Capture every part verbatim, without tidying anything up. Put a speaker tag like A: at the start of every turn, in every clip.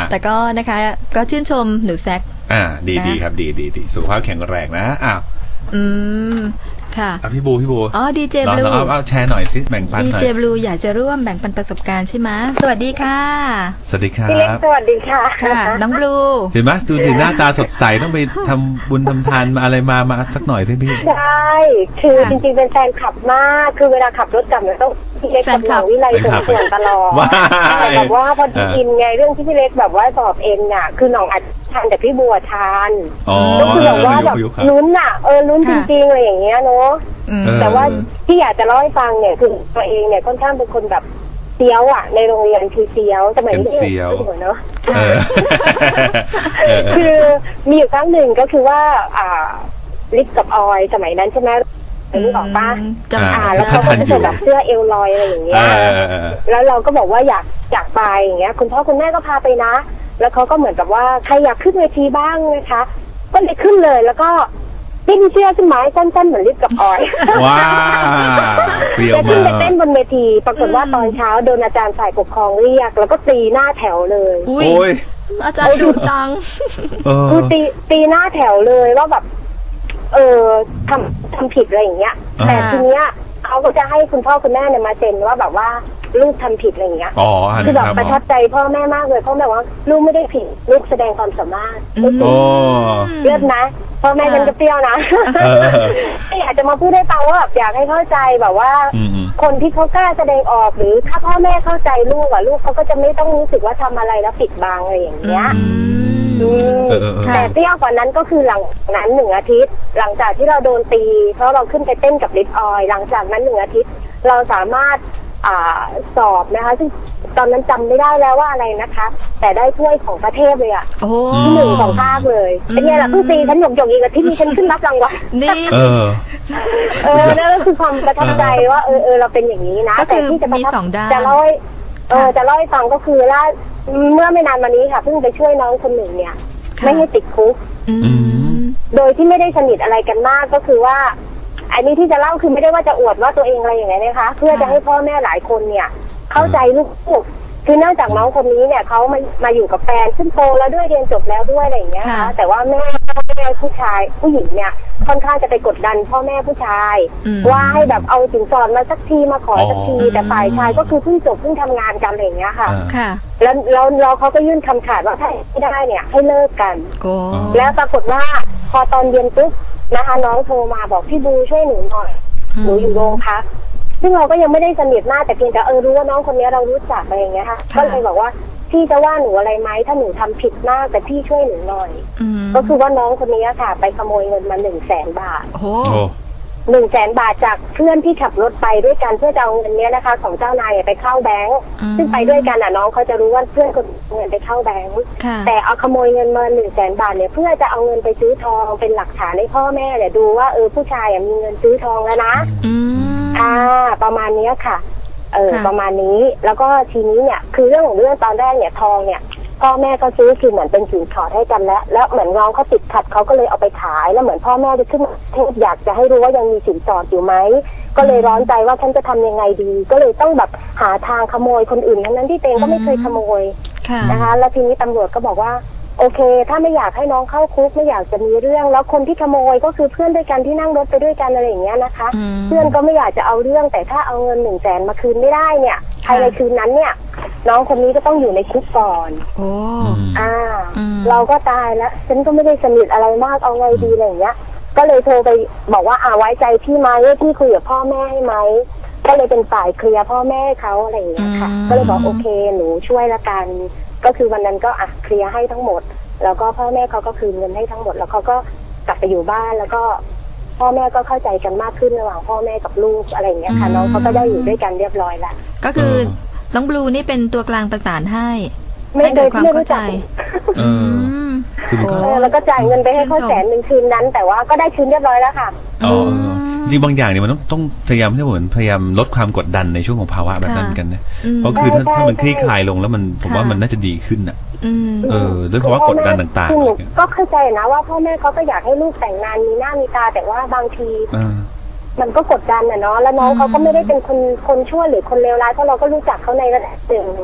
A: แต่ก็นะคะก็ชื่นชมหนูแซก
B: อ่าดีดีครับดีดีดีสุขภาพแข็งแรงนะอ้าว
A: อืมค่ะ
B: พี่บูพี่บู
A: อ๋อดีเจบลู
B: เราเอาแชร์หน่อยสิแบ่งปันหน่อย
A: ดีเจบลูอยากจะร่วมแบ่งปันประสบการณ์ใช่ไหมสวัสดีค่ะ
B: สวัสดีครับ
C: พี่เล็กสวัสดีค่ะ
A: ค่ะน้องบลู
B: เห็นไหมดูถึงหน้าตาสดใสต้องไปทำบุญทำทานมาอะไรมามาสักหน่อยสิพี่
C: ใช่คือจริงๆเป็นแฟนคลับมากคือเวลาขับรถกลับเนี่ยต้องพี่เล็กกับน้องวิไลส่งเสียงตลอดแบบว่าพอดีอินไงเรื่องที่พี่เล็กแบบว่าสอบเอ็นน่ะคือน้องอัดทานแต่พี่บัวทานก็คือแบบว่าแบบลุ้นอ่ะเออลุ้นจริงๆอะไรอย่างเงี้ยเนาะแต่ว่าที่อยากจะเล่าให้ฟังเนี่ยคือตัวเองเนี่ยค่อนข้างเป็นคนแบบเซียวอ่ะในโรงเรียนคือเซียวสมัยนี้
B: เซียว
C: เนาะคือมีอยู่ครั้งหนึ่งก็คือว่าอ่าลิปกับออยสมัยนั้นใช่ไหมรู้บอกป้า
A: จำอ่า
C: แล้วเขาก็จะใส่แบบเสื้อเอลลอยอะไรอย่างเงี้ยแล้วเราก็บอกว่าอยากอยากไปอย่างเงี้ยคุณพ่อคุณแม่ก็พาไปนะแล้วเขาก็เหมือนกับว่าใครอยากขึ้นเวทีบ้างนะคะก็เลยขึ้นเลยแล้วก็ดิ้นเสื้อขึ้นไม้สั้นๆเหมือนลิปกับออย
B: ว้าวเปรี้ยวมาก
C: ขึ้นไปเต้นบนเวทีปรากฏว่าตอนเช้าโดนอาจารย์ฝ่ายปกครองเรียกแล้วก็ตีหน้าแถวเลย
A: โอ้ยอาจารย์ดุจัง
C: คือตีตีหน้าแถวเลยว่าแบบเออทำทำผิดอะไรอย่างเงี้ยแต่ทีเนี้ยเขาก็จะให้คุณพ่อคุณแม่เนี่ยมาเซ็นว่าแบบว่าลูกทำผิดอะไรอย่างเงี้ยคือแบบประทับใจพ่อแม่มากเลยพ่อแม่ว่าลูกไม่ได้ผิดลูกแสดงความสามารถเลือดนะพ่อแม่ฉันก็เปรี้ยวนะอยากจะมาพูดให้ฟังว่าแบบอยากให้เข้าใจแบบว่าคนที่เขากล้าแสดงออกหรือถ้าพ่อแม่เข้าใจลูกอ่ะลูกเขาก็จะไม่ต้องรู้สึกว่าทำอะไรแล้วปิดบังอะไรอย่างเงี้ยแต่เปรี้ยวกว่านั้นก็คือหลังนั้นหนึ่งอาทิตย์หลังจากที่เราโดนตีเพราะเราขึ้นไปเต้นกับลิปออยหลังจากนั้นหนึ่งอาทิตย์เราสามารถอ่าสอบนะคะซึ่งตอนนั้นจำไม่ได้แล้วว่าอะไรนะคะแต่ได้ถ้วยของประเทศเลยอ่ะที่หนึ่งของภาคเลยเป็นไงล่ะเพิ่งตีฉันหยกหยกอีกอาทิตย์นี้ฉันขึ้นรับรางวัล
A: นี่
B: เออ
C: เออนั่นก็คือความประทับใจว่าเออเออเราเป็นอย่างนี้นะแต่ที่จะประทับจะเล่าให้เออจะเล่าให้ฟังก็คือล่าเมื่อไม่นานมานี้ค่ะเพิ่งไปช่วยน้องคนหนึ่งเนี่ยไม่ให้ติดคุกโดยที่ไม่ได้สนิทอะไรกันมากก็คือว่าอันนี้ที่จะเล่าคือไม่ได้ว่าจะอวดว่าตัวเองอะไรอย่างเงี้ยนะคะเพื่อจะให้พ่อแม่หลายคนเนี่ยเข้าใจลูกคือเนื่องจากน้องคนนี้เนี่ยเขามามาอยู่กับแฟนขึ้นโตแล้วด้วยเรียนจบแล้วด้วยอะไรอย่างเงี้ยค่ะแต่ว่าแม่แม่ผู้ชายผู้หญิงเนี่ยค่อนข้างจะไปกดดันพ่อแม่ผู้ชายว่าให้แบบเอาสินสอดมาสักทีมาขอสักทีแต่ฝ่ายชายก็คือเพิ่งจบเพิ่งทำงานกันอะไรอย่างเงี้ยค่ะแล้วเราเราเขาก็ยื่นคำขาดว่าถ้าไม่ได้เนี่ยให้เลิกกันแล้วปรากฏว่าพอตอนเย็นปุ๊บนะคะน้องโทรมาบอกพี่บูช่วยหนูหน่อยหนูอยู่โรงพักซึ่งเราก็ยังไม่ได้สนิทมากแต่เพียงแต่เออรู้ว่าน้องคนนี้เรารู้จักอะไรอย่างเงี้ยค่ะก็เลยบอกว่าพี่จะว่าหนูอะไรไหมถ้าหนูทำผิดมากแต่พี่ช่วยหนูหน่อยก็คือว่าน้องคนนี้ค่ะไปขโมยเงินมาหนึ่งแสนบาท
A: โอ้
C: หนึ่งแสนบาทจากเพื่อนที่ขับรถไปด้วยกันเพื่อจะเอาเงินนี้นะคะของเจ้านายไปเข้าแบงก์ซึ่งไปด้วยกันอ่ะน้องเขาจะรู้ว่าเพื่อนคนเงินไปเข้าแบงก์แต่เอาขโมยเงินมาหนึ่งแสนบาทเนี่ยเพื่อจะเอาเงินไปซื้อทองเป็นหลักฐานให้พ่อแม่เนี่ยดูว่าเออผู้ชายมีเงินซื้อทองแล้วนะอ่าประมาณนี้ค่ะเออประมาณนี้แล้วก็ทีนี้เนี่ยคือเรื่องของเรื่องตอนแรกเนี่ยทองเนี่ยพ่อแม่ก็ซื้อคือเหมือนเป็นสินสอดให้กันแล้วแล้วเหมือนน้องเขาติดขัดเขาก็เลยเอาไปขายแล้วเหมือนพ่อแม่จะขึ้นเทศอยากจะให้รู้ว่ายังมีสินสอดอยู่ไหมก็เลยร้อนใจว่าฉันจะทำยังไงดีก็เลยต้องแบบหาทางขโมยคนอื่นทั้งนั้นที่เตงก็ไม่เคยขโมยนะคะแล้วทีนี้ตำรวจก็บอกว่าโอเคถ้าไม่อยากให้น้องเข้าคุกไม่อยากจะมีเรื่องแล้วคนที่ขโมยก็คือเพื่อนด้วยกันที่นั่งรถไปด้วยกันอะไรอย่างเงี้ยนะคะเพื่อนก็ไม่อยากจะเอาเรื่องแต่ถ้าเอาเงินหนึ่งแสนมาคืนไม่ได้เนี่ยภายในคืนนั้นเนี่ยน้องคนนี้ก็ต้องอยู่ในคุกก่อน
A: โอ้
C: อ่าเราก็ตายแล้วฉันก็ไม่ได้สนิทอะไรมากเอาไงดีอะไรอย่างเงี้ยก็เลยโทรไปบอกว่าอ่าไว้ใจพี่ไหมพี่คุยกับพ่อแม่ให้ไหมก็เลยเป็นฝ่ายเคลียร์พ่อแม่เขาอะไรอย่างเงี้ยค่ะก็เลยบอกโอเคหนูช่วยละกันก็คือวันนั้นก็อ่ะเคลียร์ให้ทั้งหมดแล้วก็พ่อแม่เขาก็คืนเงินให้ทั้งหมดแล้วเขาก็กลับไปอยู่บ้านแล้วก็พ่อแม่ก็เข้าใจกันมากขึ้นระหว่างพ่อแม่กับลูกอะไรอย่างเงี้ยค่ะน้องเขาก็ได้อยู่ด้วยกันเรียบร้อยแล้ว
A: ก็คือน้องบลูนี่เป็นตัวกลางประสานให้
C: ให้เกิดความเข้าใจ
B: เออ
C: แล้วก็จ่ายเงินไปให้เขาแสนหนึ่งคืนนั้นแต่ว่าก็ได้คืนเรียบร้อยแล้วค่ะ
B: อ๋อจริงบางอย่างเนี่ยมันต้องต้องพยายามที่เหมือนพยายามลดความกดดันในช่วงของภาวะแบบนั้นกันนะเพราะคือถ้าถ้ามันคลี่คลายลงแล้วมันผมว่ามันน่าจะดีขึ้นอ่ะเออด้วยภาวะกดดันต่าง
C: ๆก็เข้าใจนะว่าพ่อแม่เขาก็อยากให้ลูกแต่งงานมีหน้ามีตาแต่ว่าบางทีมันก็กดดันอ่ะเนาะแล้วน้องเขาก็ไม่ได้เป็นคนคนชั่วหรือคนเลวร้ายเพราะเราก็รู้จักเขาในระดับหนึ่ง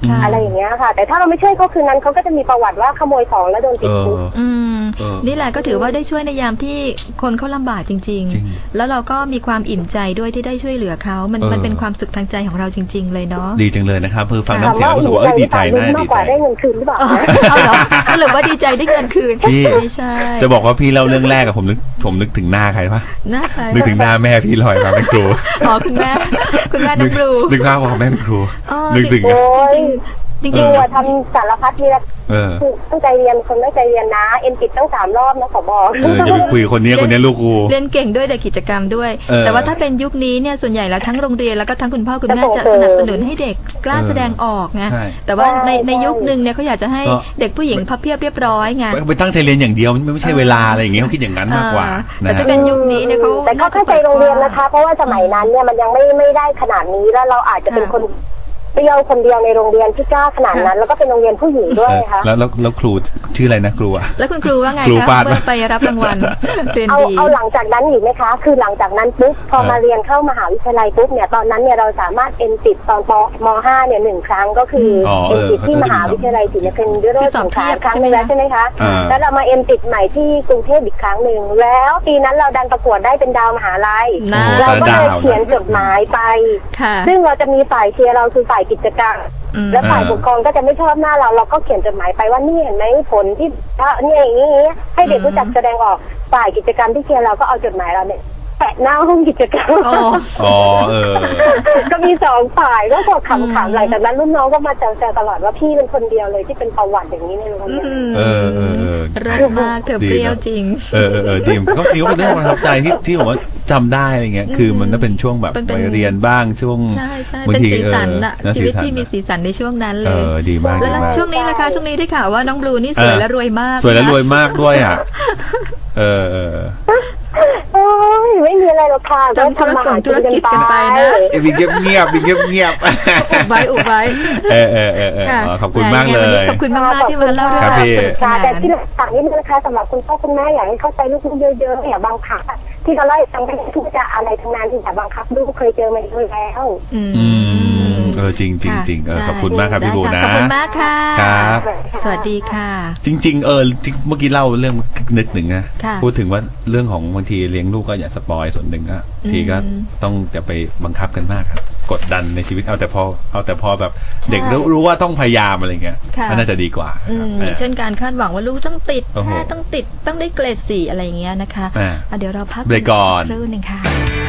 C: อะไรอย่างเงี้ยค่ะแต่ถ้าเราไม่ช่วยเขาคืนนั้นเขาก็จะมีประวัติว่าขโมยของแล้วโดนติดคุก
A: นี่แหละก็ถือว่าได้ช่วยในยามที่คนเขาลำบากจริงๆแล้วเราก็มีความอิ่มใจด้วยที่ได้ช่วยเหลือเขามันมันเป็นความสุขทางใจของเราจริงๆเลยเนาะ
B: ดีจังเลยนะครับคือฟังน้ำเสียงรู้สึกว่าดีใจนะดีใจ
C: ได้เงินคืนหรือเปล่า
A: เอาเหรอสรุปว่าดีใจได้เงินคืนไม่ใช่
B: จะบอกว่าพี่เล่าเรื่องแรกกับผมนึกผมนึกถึงหน้าใครปะ
A: หน้าใคร
B: นึกถึงหน้าแม่พี่ลอยมาเป็นครู
A: อ๋อคุณแม่คุณแม่น้องบลู
B: นึกภาพว่าแม่เป็นครูนึกถึง
C: จริงจริงๆว่าทำสารพัดนี่แหละคือตั้งใจเรียนคนตั้งใจเรียนนะเอ็นติดตั้งสามรอบนะขอบอก
B: เออจะไปคุยคนนี้คนนี้ลูกกู
A: เรียนเก่งด้วยแต่กิจกรรมด้วยแต่ว่าถ้าเป็นยุคนี้เนี่ยส่วนใหญ่แล้วทั้งโรงเรียนแล้วก็ทั้งคุณพ่อคุณแม่จะสนับสนุนให้เด็กกล้าแสดงออกไงแต่ว่าในในยุคนึงเนี่ยเขาอยากจะให้เด็กผู้หญิงพับเพียบเรียบร้อยไง
B: ไปตั้งใจเรียนอย่างเดียวไม่ใช่เวลาอะไรอย่างเงี้ยเขาคิดอย่างนั้นมากกว่า
A: แต่ถ้าเป็นยุคนี้เนี่ยเขา
C: แต่เขาเข้าใจโรงเรียนนะคะเพราะว่าสมัยนั้นเนี่ยมันยังไม่ไม่ได้ขนาดนี้แล้วเราอาจจะเป็นคนเปรี้ยวคนเดียวในโรงเรียนที่กล้าขนาดนั้นแล้วก็เป็นโรงเรียนผู้หญิงด้วยค่ะ
B: แล้วแล้วครูชื่ออะไรนะครูอะ
A: แล้วคุณครูว่าไงคะเมื่อไปรับรางวัลเรียนดี
C: เอาเอาหลังจากนั้นอีกไหมคะคือหลังจากนั้นปุ๊บพอมาเรียนเข้ามหาวิทยาลัยปุ๊บเนี่ยตอนนั้นเนี่ยเราสามารถเอ็นติดตอนปมห้าเนี่ยหนึ่งครั้งก็คือเอ็นติดที่มหาวิทยาลัยศรีนครินทร์ด้วยสองครั้งครั้งนึงแล้วใช่ไหมคะแล้วเรามาเอ็นติดใหม่ที่กรุงเทพอีกครั้งหนึ่งแล้วปีนั้นเราดันประกวดได้เป็นดาวมหาลัยเราก็เลยเขียนจดหมายไปซึ่งเราจะมีฝ่ายเชียร์เราคือฝ่ายกิจการแล้วฝ่ายปกครองก็จะไม่ชอบหน้าเราเราก็เขียนจดหมายไปว่านี่เห็นไหมผลที่นี่อย่างนี้ให้เด็กรู้จักแสดงออกฝ่ายกิจกรรมที่เชียร์เราก็เอาจดหมายเราเนี่ยแปะหน้าห้องกิจกรรม
B: อ๋อเออ
C: ก็มีสองฝ่ายก็พอขำๆหลังจากนั้นรุ่นน้องก็มาแซวๆตลอดว่าพี่เป็นคนเดียวเลยที่เป็นประวัติอย่างนี้ในโรงเรียน
B: เออเออ
A: เลิศมากเธอเปรี้ยวจริง
B: เออเออดีก็คิดว่าเป็นเรื่องประทับใจที่ที่ผมว่าจำได้อะไรเงี้ยคือมันก็เป็นช่วงแบบไปเรียนบ้างช่วง
A: บางทีสีสันอะชีวิตที่มีสีสันในช่วงนั้นเลย
B: เออดีมาก
A: แล้วช่วงนี้นะคะช่วงนี้ได้ข่าวว่าน้องบลูนี่สวยและรวยมาก
B: สวยและรวยมากด้วยอ่ะเออเออ
C: โอ้ยไม่มีอะไรหรอกค่ะ
A: ทำธุรกิจธุรกิจกันไปนะ
B: มีเงียบเงียบมีเงียบเงียบ
A: อุบไว้อุบไว้
B: เออเออเออขอบคุณมากเลย
A: ขอบคุณมากๆที่มาเล่าเรื่องราวสนุกสนาน
C: แต่ที่ต่างนี้นะคะสำหรับคุณพ่อคุณแม่อยากให้เข้าใจลูกเยอะๆอย่าบังคับที่เราไล่ฟังไปทุกจะอะไรทั้งนั้นที่อย่าบังคับลูกเคยเจอมาแล้ว
B: อืมเออจริงจริงจริงเออขอบคุณมากครับพี่บูนะ
A: ขอบคุณมากค่ะ
B: ครับ
A: สวัสดีค่ะ
B: จริงๆเออเมื่อกี้เล่าเรื่องนึกหนึ่งนะพูดถึงว่าเรื่องของบางทีเลี้ยงลูกก็อย่าสปอยส่วนหนึ่งอะทีก็ต้องจะไปบังคับกันมากครับกดดันในชีวิตเอาแต่พอเอาแต่พอแบบเด็กรู้รู้ว่าต้องพยายามอะไรเงี้ยมันน่าจะดีกว่า
A: เช่นการคาดหวังว่าลูกต้องติดแค่ต้องติดต้องได้เกรดสี่อะไรอย่างเงี้ยนะคะเดี๋ยวเราพัก
B: เบรกก่อน
A: ครู่นึงค่ะ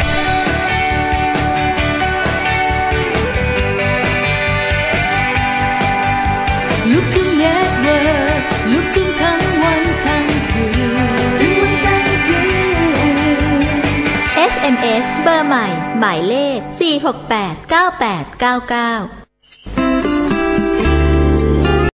D: ลูกทุ่งเน็ตเวิร์กลูกทุ่งทั้งวันทั้งคืนทั้งวันทั้งคืน
E: เอส เอ็ม เอส เบอร์ใหม่หมายเลขสี่ หก แปด เก้า แปด เก้า เก้า